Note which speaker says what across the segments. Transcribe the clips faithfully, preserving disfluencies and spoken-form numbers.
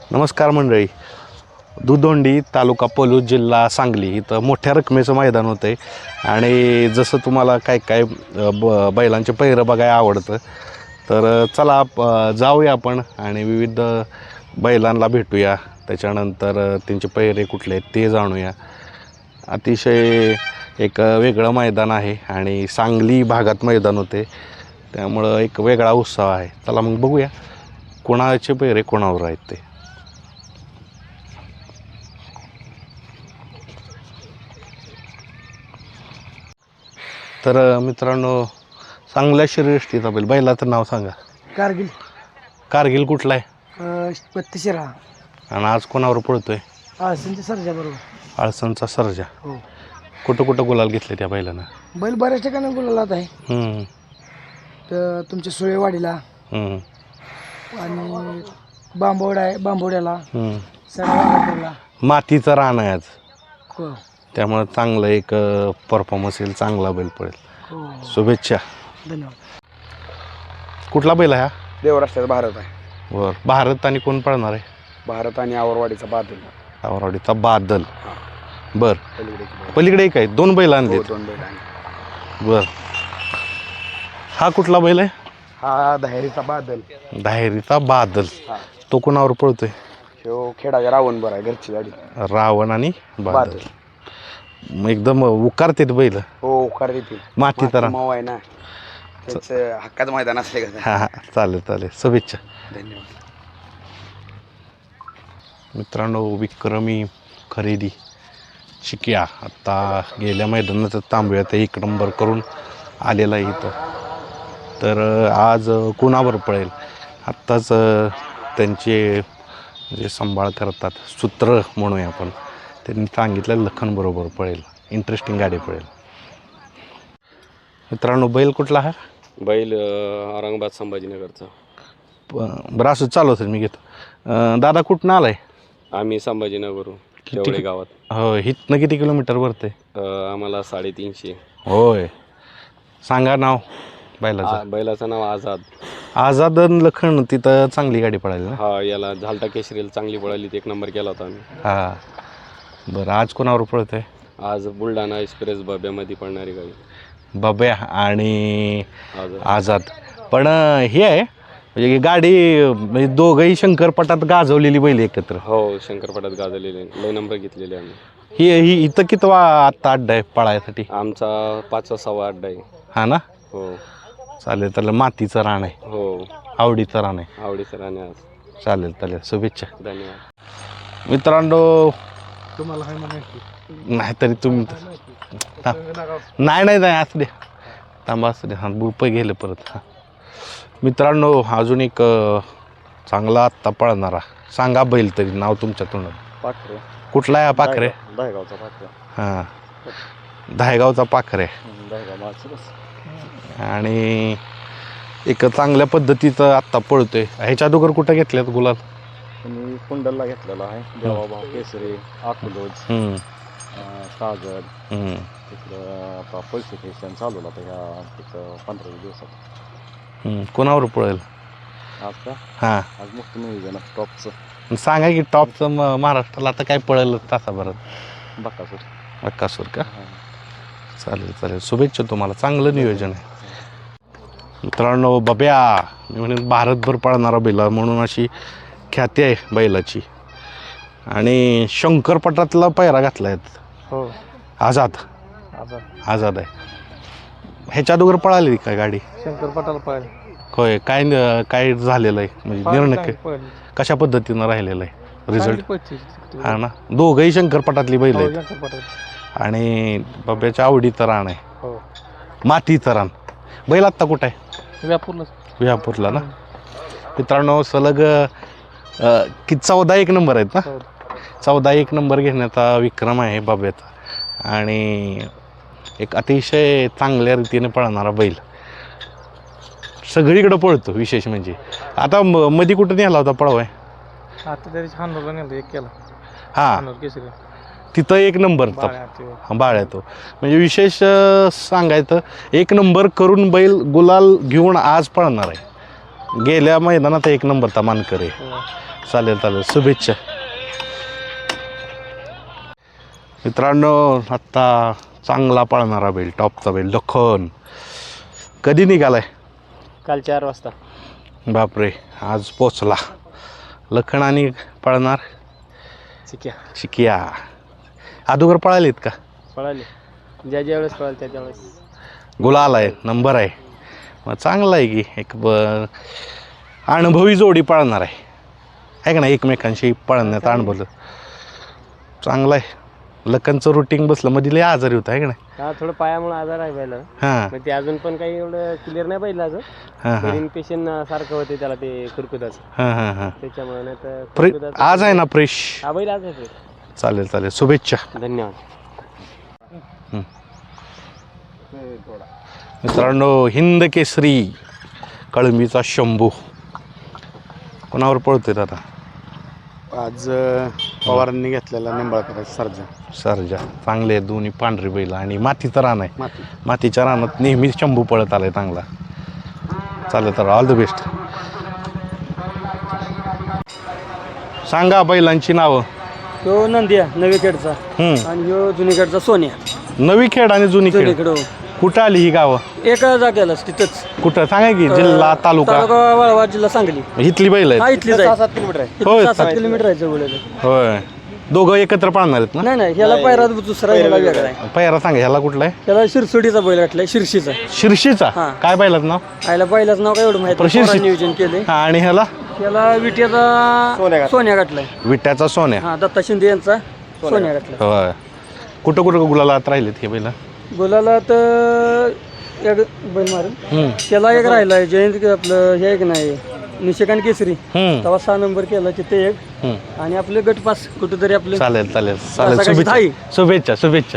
Speaker 1: नमस्कार मंडळी. दुधोंडी तालुका पलूस जिल्हा सांगली इथं मोठ्या रकमेचं मैदान होतं आहे आणि जसं तुम्हाला काय काय ब बैलांचे पहिरं बघायला आवडतं तर चला जाऊया आपण आणि विविध बैलांना भेटूया. त्याच्यानंतर त्यांचे पहिरे कुठले आहेत ते जाणूया. अतिशय एक वेगळं मैदान आहे आणि सांगली भागात मैदान होते त्यामुळं एक वेगळा उत्साह आहे. चला मग बघूया कोणाचे पहिरे कोणावर आहेत ते. तर मित्रांनो चांगल्या शर्यतीचा बैल बैलाचं नाव सांगा.
Speaker 2: कारगिल.
Speaker 1: कारगिल कुठला आहे
Speaker 2: बत्तीशिरा
Speaker 1: आणि आज कोणावर पळतोय?
Speaker 2: आळसनच्या सर्जा बरोबर.
Speaker 1: आळसनचा सर्जा.
Speaker 2: हो.
Speaker 1: कुठं कुठं गुलाल घेतले त्या बैलानं?
Speaker 2: बैल बऱ्याच ठिकाणी गुलालात आहे.
Speaker 1: हम्म,
Speaker 2: तर तुमच्या सुळेवाडीला
Speaker 1: हम्म,
Speaker 2: आणि बांबोड आहे बांबोड्याला
Speaker 1: हम्म.
Speaker 2: सडाला.
Speaker 1: मातीचं रान आहे आज
Speaker 2: हो
Speaker 1: त्यामुळं चांगलं एक परफॉर्मन्स येईल, चांगला बैल पडेल.
Speaker 2: हो
Speaker 1: शुभेच्छा.
Speaker 2: धन्यवाद.
Speaker 1: कुठला बैल आहे हा?
Speaker 3: देवराष्ट्राचा भारत आहे.
Speaker 1: बर भारत आणि कोण पळणार आहे?
Speaker 3: भारत आणि आवरवाडीचा बादल.
Speaker 1: आवराडीचा बादल. बर
Speaker 3: पलीकडे
Speaker 1: पलीकडे एक आहे, दोन बैल आणले.
Speaker 3: दोन बैल आहे.
Speaker 1: बर हा कुठला बैल आहे?
Speaker 3: हा दहेरीचा बादल.
Speaker 1: धायरीचा बादल.
Speaker 3: हा
Speaker 1: तो कोणावर पळतोय?
Speaker 3: ह्यो खेडाच्या रावण बरं आहे, घरची गाडी.
Speaker 1: रावण आणि बादल.
Speaker 3: बादल
Speaker 1: मग एकदम उकारतेत बैल.
Speaker 3: हो खरं देतील.
Speaker 1: माती तर
Speaker 3: माव आहे ना त्यांचं हक्काचं मैदान असले का.
Speaker 1: हा हा चालेल चालेल शुभेच्छा.
Speaker 3: धन्यवाद.
Speaker 1: मित्रांनो विक्रमी खरेदी शिक्या आत्ता गेल्या मैदानात तांबव्यात एक नंबर करून आलेला आहे इथं. तर आज कोणावर पळेल आत्ताच त्यांचे जे सांभाळ करतात सूत्र म्हणूया आपण त्यांनी सांगितलं लखन बरोबर पळेल. इंटरेस्टिंग गाडी पळेल. मित्रांनो बैल कुठला आहे?
Speaker 4: बैल औरंगाबाद संभाजीनगरचा.
Speaker 1: बरं असं चालू असेल मी घेतो. अं, दादा कुठनं आलाय?
Speaker 4: आम्ही संभाजीनगरून
Speaker 1: किती-
Speaker 4: तेवढे गावात.
Speaker 1: हो हिथनं किती किलोमीटर भरते?
Speaker 4: अ, आम्हाला साडेतीनशे.
Speaker 1: होय सांगा नाव बैलाचं.
Speaker 4: आ, बैलाचं नाव आझाद.
Speaker 1: आझाद आणि लखन तिथं चांगली गाडी पळाली ना?
Speaker 4: हा याला झालटा केशरीला चांगली पळाली, एक नंबर केला होता आम्ही.
Speaker 1: हां बरं आज कोणावर पळत आहे?
Speaker 4: आज बुलढाणा एक्सप्रेस बब्यामध्ये पडणारी गाडी
Speaker 1: बब्या आणि
Speaker 4: आझाद.
Speaker 1: आझाद. पण हे आहे म्हणजे ही गाडी म्हणजे दोघंही शंकरपटात गाजवलेली बैल एकत्र.
Speaker 4: हो शंकरपटात गाजलेले लय नंबर घेतलेले आम्ही.
Speaker 1: ही ही इथं किती वा आत्ता अड्डा आहे पळायसाठी?
Speaker 4: आमचा पाचवा सव्वा अड्डा आहे.
Speaker 1: हा ना
Speaker 4: हो
Speaker 1: चालेल त्याला मातीचं रान आहे,
Speaker 4: हो
Speaker 1: आवडीचं रान आहे.
Speaker 4: आवडीचं राणे आज.
Speaker 1: चालेल चालेल शुभेच्छा.
Speaker 4: धन्यवाद.
Speaker 1: मित्रांनो
Speaker 2: तुम्हाला आहे म्हणायची
Speaker 1: नाहीतरी तुम्ही हा. नाही नाही नाही असू द्या थांबा असू द्या. हां रुपये गेले परत. हां मित्रांनो अजून एक अ, चांगला आत्ता पळणारा सांगा बैल तरी नाव तुमच्या तोंडात.
Speaker 3: पाखरे.
Speaker 1: कुठला आहे हा पाखरे?
Speaker 3: दहेगावचा पाखरे.
Speaker 1: हां दहेगावचा पाखरे.
Speaker 3: दहेगाव माणसं.
Speaker 1: आणि एक चांगल्या पद्धतीचं आत्ता पळतोय. ह्याच्या अगोदर कुठं घेतल्यात गुलाल?
Speaker 3: मी कुंडलला घेतलेला आहे. देवाभाव केसरी अकलोज
Speaker 1: हम्म,
Speaker 3: कागद
Speaker 1: हम्म.
Speaker 3: तिकडं आता पैसे स्टेशन चालू होतं ह्या तिथं पंधरा वीस दिवसात.
Speaker 1: हम्म. कोणावर पळेल?
Speaker 3: आज का
Speaker 1: हां
Speaker 3: आज मुक्त नियोजन टॉपचं.
Speaker 1: सांगा की टॉपचं म महाराष्ट्राला आता काय पळेल तासाभरात?
Speaker 3: बक्कासूर.
Speaker 1: बक्कासूर का? चालेल चालेल शुभेच्छा तुम्हाला. चांगलं नियोजन आहे. मित्रांनो बब्या मी म्हणेन भारतभर पळणारा बैल म्हणून अशी ख्याती आहे बैलाची. आणि शंकरपटातला पायरा घातला आहे
Speaker 3: हो
Speaker 1: आझाद.
Speaker 3: आजार
Speaker 1: आझाद आहे. ह्याच्या अगोदर पळाली काय गाडी?
Speaker 3: शंकरपटाला पाहिजे.
Speaker 1: होय काय न- काय झालेलं आहे म्हणजे निर्णय काय- कशा पद्धतीनं राहिलेलं आहे रिझल्ट? हा ना दोघंही शंकरपटातली बैल आहेत आणि बब्याच्या आवडीचं रान आहे,
Speaker 3: हो
Speaker 1: मातीचं रान. बैल आत्ता कुठं आहे?
Speaker 3: व्यापूरला.
Speaker 1: विहापूरला ना. मित्रांनो सलग अ, कि चौदा एक नंबर आहेत ना? चौदा एक नंबर घेण्याचा विक्रम आहे बाब्याचा आणि एक अतिशय चांगल्या रीतीने पळणारा बैल. सगळीकडं पळतो विशेष म्हणजे. आता म मध्ये कुठं नेला होता पळवाय?
Speaker 3: आता तरी हानूरला नेलं एक केला.
Speaker 1: हां
Speaker 3: हानूर केसरी.
Speaker 1: तिथं एक नंबरचा
Speaker 3: बाळ्या.
Speaker 1: बाळ तो म्हणजे विशेष अ, सांगायचं एक नंबर करून बैल गुलाल घेऊन आज पळणार आहे. गेल्या मैदानात एक नंबरचा मानकर आहे. चालेल चालेल शुभेच्छा मित्रांनो. आत्ता चांगला पळणारा बैल टॉपचा बैल लखन कधी निघालाय?
Speaker 2: काल चार वाजता.
Speaker 1: बापरे आज पोचला लखन. आणि पळणार
Speaker 2: चिक्या
Speaker 1: शिकिया अगोदर पळालीत का?
Speaker 2: पळाले ज्या ज्या वेळेस पळाले त्या त्यावेळेस
Speaker 1: गुलाल आहे नंबर आहे मग चांगला आहे की एक ब अनुभवी जोडी पळणार आहे आहे का ना एकमेकांशी पळण्यात अनुभव चांगला आहे. लखनचं रुटीन बसलं मध्ये लय आजारी होतं आहे का नाही?
Speaker 2: हा थोडं पायामुळे आजार आहे पहिलं.
Speaker 1: हां
Speaker 2: मग ते अजून पण काही एवढं क्लिअर नाही पाहिलं अजून.
Speaker 1: हां हां
Speaker 2: इन्फेक्शन सारखं होते त्याला ते खुरकुदाचं
Speaker 1: हां हां हां
Speaker 2: त्याच्यामुळे नाही तर
Speaker 1: फ्रे
Speaker 2: खुरकुदाचं-
Speaker 1: आज आहे ना फ्रेश.
Speaker 2: हा बैल आज आहे.
Speaker 1: चालेल चालेल शुभेच्छा.
Speaker 2: धन्यवाद.
Speaker 1: मित्रांनो हिंद केसरी कळंबीचा शंभू कोणावर पळतोय आता?
Speaker 3: आज पवारांनी घेतलेला निंबाळकर सर्जा
Speaker 1: सरजा चांगले आहेत दोन्ही पांढरी बैल आणि मातीचं रान आहे.
Speaker 3: माती
Speaker 1: मातीच्या रानात नेहमी शंभू पळत आलाय चांगला. चालेल तर ऑल द बेस्ट. सांगा बैलांची नावं.
Speaker 2: तो नंदिया नवीखेडचा
Speaker 1: हम्म.
Speaker 2: आणि ह्यो जुनीखेडचा सोन्या.
Speaker 1: नवी खेड आणि जुनी खेड
Speaker 2: जुनीखेड
Speaker 1: कुठं आली ही गावं?
Speaker 2: एका जागेलाच तिथंच.
Speaker 1: कुठं सांगा की जिल्हा तालुका
Speaker 2: तालुका वाळवा जिल्हा सांगली.
Speaker 1: इथली बैल
Speaker 2: हा
Speaker 1: आहेत
Speaker 2: इथलीच आहे. सात किलोमीटर आहे.
Speaker 1: होय.
Speaker 2: सहा सात किलोमीटर आहे जवळ.
Speaker 1: होय दोघं एकत्र पाळणार आहेत ना?
Speaker 2: नाही नाही ह्याला पायरा दुसरा ह्याला वेगळा आहे.
Speaker 1: पहिला सांगा ह्याला कुठला आहे?
Speaker 2: त्याला शिरसोडीचा बैल वाटलाय शिरशीचा.
Speaker 1: शिर्शीचा
Speaker 2: हां.
Speaker 1: काय बैलात नाव?
Speaker 2: आयला बैलाचं नाव काय एवढं माहिती
Speaker 1: पण शिरशी-
Speaker 2: पोरांनी नियोजन केले.
Speaker 1: हा आणि ह्याला
Speaker 2: त्याला विट्याचा सोन्या गाठलाय.
Speaker 1: विट्याचा सोन्या.
Speaker 2: हा दत्ता शिंदे यांचा सोन्या गाठलाय.
Speaker 1: होय कुठं कुठं गुलालात राहिलेत हे बैल?
Speaker 2: बोलायला तर एक बैल मारेल
Speaker 1: हम्म.
Speaker 2: त्याला एक राहिलाय जयंत आपलं हे एक नाही निशिकांत केसरी
Speaker 1: हम्म.
Speaker 2: तेव्हा सहा नंबर केला तिथे एक
Speaker 1: हम्म.
Speaker 2: आणि आपले गटपास कुठेतरी आपले
Speaker 1: चालेल चालेल चालेल
Speaker 2: सकाळची
Speaker 1: शुभेच्छा
Speaker 2: धाई.
Speaker 1: शुभेच्छा शुभेच्छा.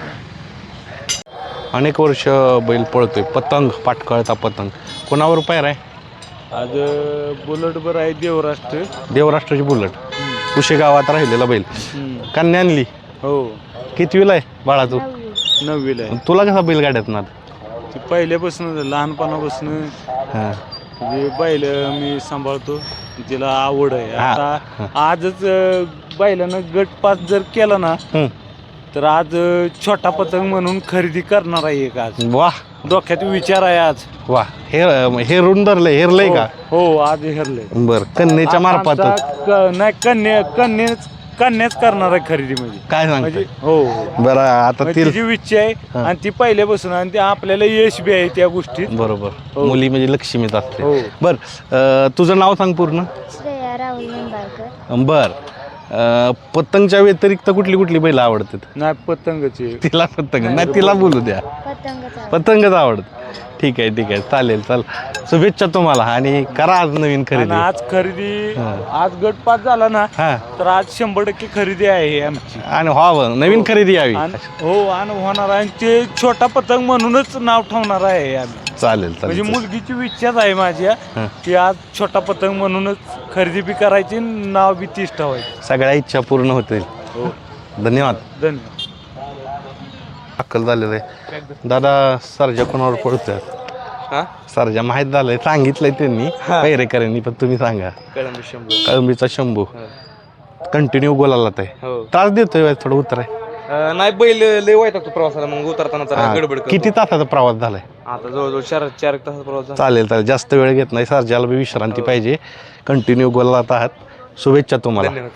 Speaker 1: अनेक वर्ष बैल पळतोय पतंग पाटकळता पतंग कोणावर पायरा आहे?
Speaker 3: आज बुलेट बर आहे देवराष्ट्र.
Speaker 1: देवराष्ट्राची बुलट कुशे गावात राहिलेला बैल. कन्या आणली
Speaker 3: हो
Speaker 1: कितवीला आहे बाळा तू?
Speaker 3: नववीला आहे.
Speaker 1: तुला कसा बैल गाड्यात ना?
Speaker 3: ती पहिल्यापासून लहानपणापासून
Speaker 1: हां
Speaker 3: म्हणजे बैल मी सांभाळतो तिला आवड आहे.
Speaker 1: हा.
Speaker 3: आता आजच अं, बैलानं गट पास जर केला ना
Speaker 1: हम्म.
Speaker 3: तर आज अं, छोटा पतंग म्हणून खरेदी करणार आहे एक आज.
Speaker 1: वा
Speaker 3: डोक्यात विचार आहे आज.
Speaker 1: वा हेर हेरून धरलंय हेरलंय का?
Speaker 3: हो आज हेरले.
Speaker 1: बर कन्याच्या मार्फत
Speaker 3: नाही कन्या कन्याच कन्याच करणार आहे खरेदी म्हणजे
Speaker 1: काय
Speaker 3: म्हणजे
Speaker 1: सांगते?
Speaker 3: हो
Speaker 1: बरं आता
Speaker 3: म्हणजे
Speaker 1: ती
Speaker 3: तिची इच्छा आहे
Speaker 1: हा.
Speaker 3: आणि ती पहिल्यापासून आणि ते आपल्याला यश बी आहे त्या गोष्टीत.
Speaker 1: बरोबर
Speaker 3: हो.
Speaker 1: मुली म्हणजे लक्ष्मीच असते.
Speaker 3: हो.
Speaker 1: बर अं, तुझं नाव सांग पूर्ण.
Speaker 5: श्रेया राहुल निंबाळकर.
Speaker 1: बर अं, पतंगच्या व्यतिरिक्त कुठली कुठली बैल आवडतात?
Speaker 3: नाही पतंगची
Speaker 1: तिला पतंग नाही तिला बोलू द्या.
Speaker 5: पतंगचा
Speaker 1: पतंगच आवडत. ठीक आहे ठीक आहे चालेल चाल शुभेच्छा तुम्हाला आणि करा आज नवीन
Speaker 3: आणि
Speaker 1: खरेदी.
Speaker 3: आज खरेदी
Speaker 1: हा.
Speaker 3: आज गट पास झाला ना
Speaker 1: हा
Speaker 3: तर आज शंभर टक्के खरेदी आहे आमची.
Speaker 1: आणि व्हावं नवीन खरेदी यावी.
Speaker 3: आणि हो आणि होणार आहे आणि ते छोटा पतंग म्हणूनच नाव ठेवणार आहे आम्ही.
Speaker 1: चालेल
Speaker 3: म्हणजे
Speaker 1: चालेल
Speaker 3: मुलगीची इच्छाच आहे माझ्या
Speaker 1: हा.
Speaker 3: की आज छोटा पतंग म्हणूनच खरेदी बी करायची नाव बी तीच ठेवायची.
Speaker 1: सगळ्या इच्छा पूर्ण होतील.
Speaker 3: हो
Speaker 1: धन्यवाद.
Speaker 3: धन्यवाद.
Speaker 1: अक्कल झालेलं आहे. दादा सरजा कोणावर पडतोय?
Speaker 4: हां
Speaker 1: सरजा माहीत झालंय सांगितलंय त्यांनी पैरेकरांनी पण तुम्ही सांगा.
Speaker 4: कळंबी शंभू
Speaker 1: कळंबीचा शंभू कंटिन्यू गोलाला आहे.
Speaker 4: हो
Speaker 1: त्रास देतोय थोडं उतर आहे.
Speaker 4: नाही बैल लय वाईट लागतो प्रवासाला मग उतरताना जरा गडबड करतो.
Speaker 1: किती तासाचा प्रवास झालाय?
Speaker 4: आता जवळजवळ चार चार एक तासाचा प्रवास झाला.
Speaker 1: चालेल चालेल जास्त वेळ घेत नाही सरजाला बी विश्रांती पाहिजे. कंटिन्यू गोलात आहात शुभेच्छा तुम्हाला.
Speaker 4: धन्यवाद.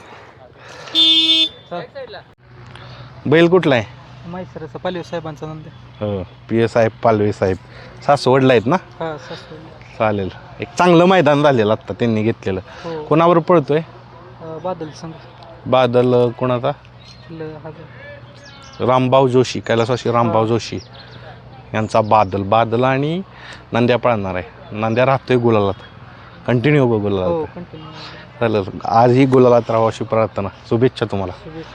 Speaker 1: बैल कुठला आहे?
Speaker 2: माहिती पालवी साहेबांचा नंद.
Speaker 1: हो पी एस साहेब पालवे साहेब सासवडला आहेत ना?
Speaker 2: हा
Speaker 1: चालेल एक चांगलं मैदान झालेलं आत्ता त्यांनी घेतलेलं.
Speaker 2: हो
Speaker 1: कोणावर पळतोय?
Speaker 2: बादल संघ
Speaker 1: बादल अं, कोणाचा? रामभाऊ जोशी कैलासवासी रामभाऊ जोशी यांचा बादल बादल आणि नंद्या पळणार आहे. नंद्या राहतोय गुलालात कंटिन्यू गुलालात. चालेल आजही गुलालात राहावं अशी प्रार्थना. शुभेच्छा तुम्हाला.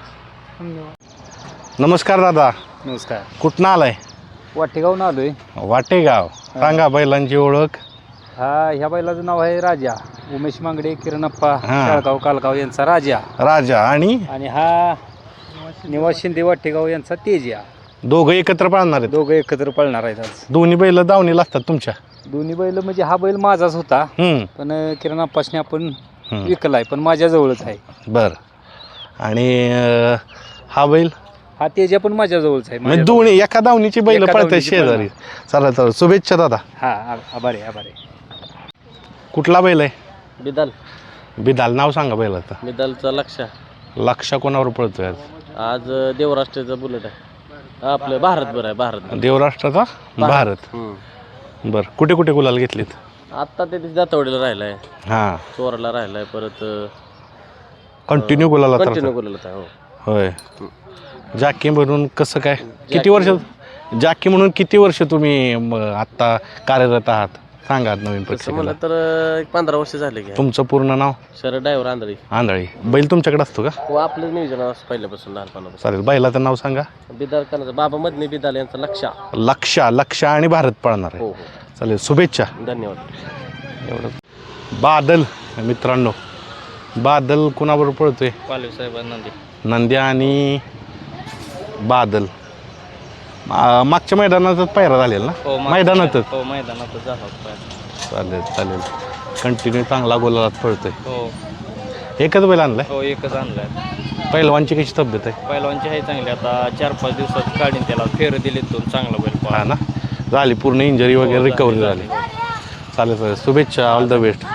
Speaker 1: नमस्कार दादा.
Speaker 3: नमस्कार.
Speaker 1: कुठनं आलाय?
Speaker 2: वाटेगावून आलोय.
Speaker 1: वाटेगाव. सांगा बैलांची ओळख.
Speaker 2: हा ह्या बैलाचं नाव आहे राजा. उमेश मांगडे किरणप्पा
Speaker 1: हा.
Speaker 2: शाळगाव कालगाव यांचा राजा
Speaker 1: राजा आणि
Speaker 2: आणि हा निवास शिंदे वाटेगाव यांचा तेजा.
Speaker 1: दोघं एकत्र पाळणार आहेत.
Speaker 2: दोघं एकत्र पळणार आहेत आज.
Speaker 1: दोन्ही बैल दावणीला असतात तुमच्या?
Speaker 2: दोन्ही बैल म्हणजे हा बैल माझाच होता
Speaker 1: हम्म
Speaker 2: पण किरण अप्पासने आपण
Speaker 1: हम्म.
Speaker 2: विकला आहे पण माझ्याजवळच आहे.
Speaker 1: बरं. आणि अं, हा बैल
Speaker 2: हा तेजा पण माझ्याजवळच आहे.
Speaker 1: म्हणजे
Speaker 2: माझ्या-
Speaker 1: दोन्ही एका दावणीची बैल
Speaker 2: एका
Speaker 1: पळतात
Speaker 2: दावणीची
Speaker 1: शेजारी. चला चला शुभेच्छा दादा.
Speaker 2: हा आ- आभार आहे आभार आहे.
Speaker 1: कुठला बैल आहे?
Speaker 3: बिदाल
Speaker 1: बिदाल नाव सांगा बैलाचं.
Speaker 3: बिदालचा लक्ष
Speaker 1: लक्ष कोणावर पळतोय आज?
Speaker 3: आज देवराष्ट्राचा बुलेट आहे आपलं भारत बरं आहे भारत
Speaker 1: देवराष्ट्राचा भारत. बरं कुठे कुठे गुलाल घेतलीत?
Speaker 3: आत्ता ते दातवडीला राहिलाय
Speaker 1: हां
Speaker 3: चोराला राहिलाय परत
Speaker 1: कंटिन्यू गुलाला तर
Speaker 3: कंटिन्यू बोलत आहे हो.
Speaker 1: होय. जाकी म्हणून कसं काय किती वर्ष जाकी म्हणून किती वर्ष तुम्ही म, आत्ता कार्यरत आहात सांगा नवीन
Speaker 3: तसं
Speaker 1: प्रेक्षकाला.
Speaker 3: म्हणलं तर एक पंधरा वर्ष झाले की
Speaker 1: तुमचं पूर्ण नाव?
Speaker 3: शरद ड्रायव्हर आंधळी
Speaker 1: आंधळी. बैल तुमच्याकडे असतो का?
Speaker 3: हो आपलं नियोजन असं पहिल्यापासून लहानपणापासून.
Speaker 1: चालेल बैलाचं नाव सांगा.
Speaker 3: बिदाल कनाचा बाबा मदनी बिदाल यांचा लक्ष.
Speaker 1: लक्षा लक्षा आणि भारत पळणार आहे.
Speaker 3: हो हो
Speaker 1: चालेल शुभेच्छा.
Speaker 3: धन्यवाद.
Speaker 1: एवढं बादल मित्रांनो बादल कुणाबरोबर पळतोय?
Speaker 3: पालवी साहेब नंदी.
Speaker 1: नंद्या आणि बादल मा- मागच्या मैदानातच पायरा झालेला ना? मैदानातच.
Speaker 3: हो मैदानातच झाला
Speaker 1: चालेल चालेल कंटिन्यू चांगला गोलात पळतोय.
Speaker 3: हो
Speaker 1: एकच बैल आणलाय?
Speaker 3: हो एकच आणलाय.
Speaker 1: पहिलवानची कशी तब्येत आहे?
Speaker 3: पहिलवानची आहे चांगली आता चार पाच दिवसात काढीन त्याला फेर दिले दोन चांगला बैल
Speaker 1: हा ना झाली पूर्ण इंजरी वगैरे रिकव्हरी झाली. चालेल चालेल शुभेच्छा ऑल द बेस्ट.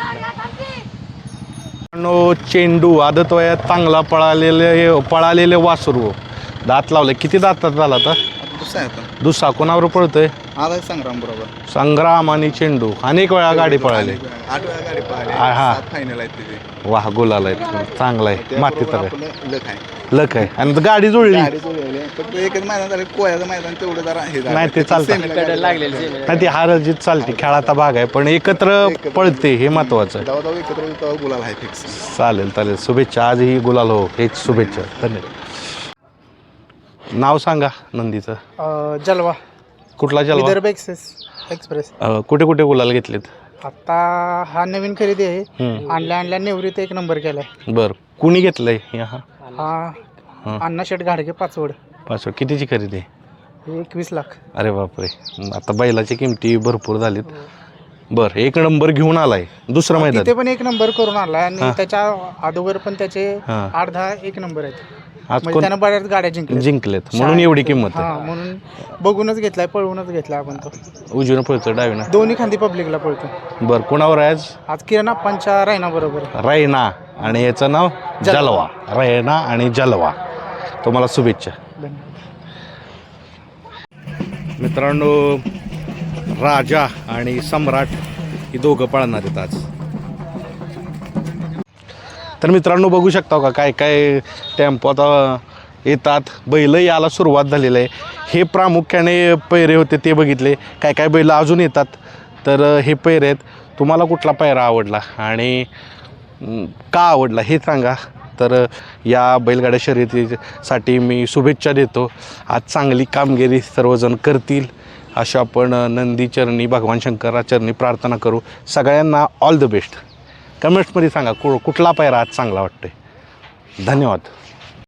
Speaker 1: चेंडू आदत वयात चांगला पळालेले पळालेले वासरू दात लावले. किती दातात झाला आता? दुसरा कोणावर पळतोय?
Speaker 6: आला संग्राम बरोबर.
Speaker 1: संग्राम आणि चेंडू अनेक वेळा गाडी पळाली.
Speaker 6: आठ वेळा गाडी पळाली.
Speaker 1: हा, हा.
Speaker 6: सात फायनल आहेत तिथे.
Speaker 1: वाह गुलाल आहे चांगला आहे माती तर आहे.
Speaker 6: आपलं लक आहे.
Speaker 1: लक आहे आणि गाडी जुळली
Speaker 6: गाडी जोडलेली आहे. फक्त एकच मैदान झालं कोळ्याचं मैदान तेवढं जरा हे झालं.
Speaker 1: नाही ते चालतं.
Speaker 6: सेमीला गाडी
Speaker 3: लागलेली
Speaker 1: नाही ती हार जीत चालते खेळाचा भाग आहे पण एकत्र पळते हे महत्वाचं आहे.
Speaker 6: जाऊ जाऊ एकत्र येऊ तेव्हा गुलाल आहे फिक्स.
Speaker 1: चालेल चालेल शुभेच्छा आजही गुलाल हो हेच शुभेच्छा धन्यवाद. नाव सांगा नंदीचं.
Speaker 2: जलवा
Speaker 1: कुठला जलवा?
Speaker 2: Vidarbha access express.
Speaker 1: अ, कुठे कुठे गुलाल घेतलेत?
Speaker 2: आता हा नवीन खरेदी आहे.
Speaker 1: हम्म.
Speaker 2: आणल्या आणल्या निवृत्त एक नंबर केलाय.
Speaker 1: बरं कुणी घेतलंय हा
Speaker 2: हा
Speaker 1: हा.
Speaker 2: अण्णा शेठ घाडगे पाचवड.
Speaker 1: पाचवड कितीची खरेदी आहे?
Speaker 2: एकवीस लाख.
Speaker 1: अरे बापरे आता बैलाची किमती भरपूर झालीत. बरं एक नंबर घेऊन आलाय दुसरं मैदान.
Speaker 2: तिथे पण एक नंबर करून आणलाय आणि
Speaker 1: हा.
Speaker 2: त्याच्या अगोदर पण त्याचे
Speaker 1: हा.
Speaker 2: आठ दहा एक नंबर आहेत.
Speaker 1: आज
Speaker 2: म्हणजे
Speaker 1: कोण
Speaker 2: त्यानं बऱ्याच गाड्या जिंकल्या.
Speaker 1: जिंकलेत म्हणून एवढी किंमत
Speaker 2: हा
Speaker 1: आहे.
Speaker 2: म्हणून बघूनच घेतलाय पळवूनच घेतलाय आपण तो.
Speaker 1: उजवीनं पळतोय डावीनं.
Speaker 2: दोन्ही खांदी पब्लिकला पळतो.
Speaker 1: बरं कोणावर आहे आज?
Speaker 2: आज किरण आप्पांच्या रायना बरोबर.
Speaker 1: रैना आणि याचं नाव जलवा. रैना आणि जलवा तुम्हाला शुभेच्छा. मित्रांनो राजा आणि सम्राट ही दोघं पळणार आहेत आज. तर मित्रांनो बघू शकता का काय काय टेम्पो आता येतात. बैल याला सुरुवात झालेली आहे. हे प्रामुख्याने पैरे होते ते बघितले. काय काय बैल अजून येतात. तर हे पैरे आहेत. तुम्हाला कुठला पैरा आवडला आणि अं, का आवडला हे सांगा. तर या बैलगाड्या शर्यतीसाठी मी शुभेच्छा देतो. आज चांगली कामगिरी सर्वजण करतील अशा आपण नंदीचरणी भगवान शंकराचरणी प्रार्थना करू. सगळ्यांना ऑल द बेस्ट. कमेंट्समध्ये सांगा कु कुठला पैरा आज चांगला वाटतोय. धन्यवाद.